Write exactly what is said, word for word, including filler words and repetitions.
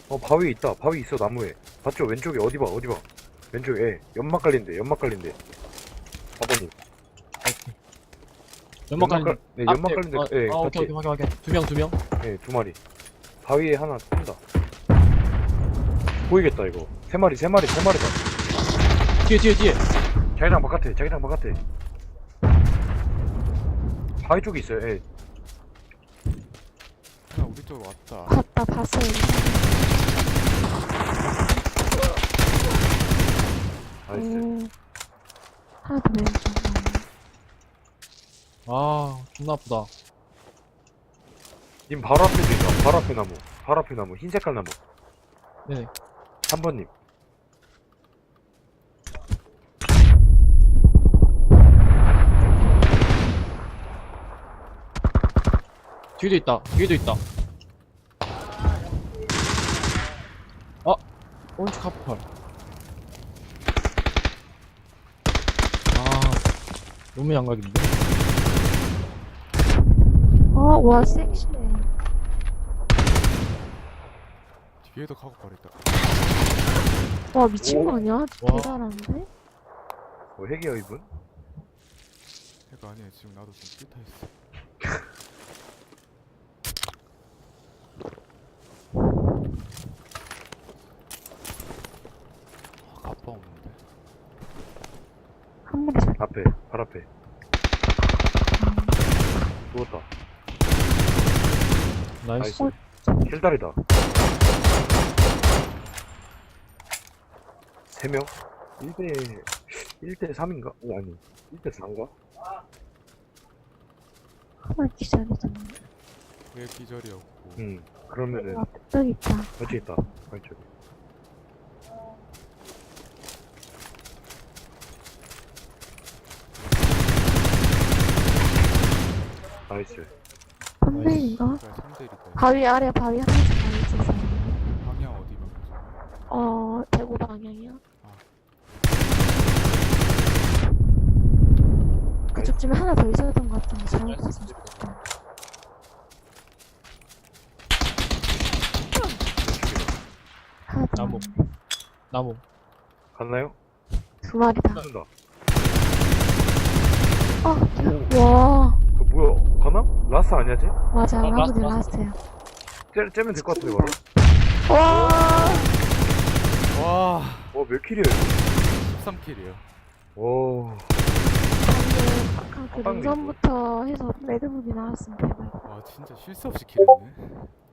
어 바위 있다. 바위 있어 나무에. 봤죠? 왼쪽에 어디 봐 어디 봐. 왼쪽에 예. 연막 깔린대. 연막 깔린대. 아버님. 연막 깔린 깔- 네 연막 깔린대. 아, 예 아 오케이 같이. 오케이 확인 확인 두명 두명 예 두 마리. 바위에 하나 뜬다. 보이겠다 이거. 세 마리 세 마리 세 마리다. 뒤에 뒤에 뒤에 자기장 바깥에 자기장 바깥에. 바위 쪽에 있어요. 예. 하나 우리 쪽으로 왔다. 봤다 봤어요. 나이스. 오. 하나 더 왼쪽. 아 존나 아프다. 님 바로 앞에도 있다. 바로 앞에 나무. 바로 앞에 나무. 흰 색깔 나무. 네네 삼 번님. 뒤에도 있다 뒤에도 있다. 아 오른쪽 카프팔. 아 너무 양각인데. 어, 와 섹시해. 뒤에도 카고 버렸다. 와 미친 거 아니야? 와. 대단한데? 뭐 핵이야 이분? 해가 아니야. 지금 나도 지금 삐타 있어. 아, 갑바 없는데. 한 마리 잘. 앞에. 발 앞에. 누웠다. 나이스. 나이스. 킬다리다. 세 명? 일 대 일 대 삼인가? 어, 아니 일 대 사인가? 한 마리 기절이잖아. 왜 기절이었고. 응. 그러면은 와 뚝 있다. 어찌 있다. 발쪽에. 나이스. 선배인가? 그래 삼 대 일이다. 바위 아래 바위 하나씩 바위 있어서. 방향 어디 방향? 어 대구 방향이요. 그쪽쯤에 하나 더 있었던 것 같은데 잘못 봤어. 하나 더. 나무. 왔네. 나무. 갔나요? 두 마리다. 쏜다. 어, 와, 그 뭐야? 가나? 라스 아니야 쟤? 맞아, 어, 라스트 라스트, 라스트야. 쟤, 쟤면 될 것 같은데 바로. 와, 와, 와몇 킬이야 이거? 십삼 킬이요. 와. 방금 아까 그 빵 능선부터 해서 레드북이 나왔으면 대박. 와, 진짜 쉴 새 없이 킬했네.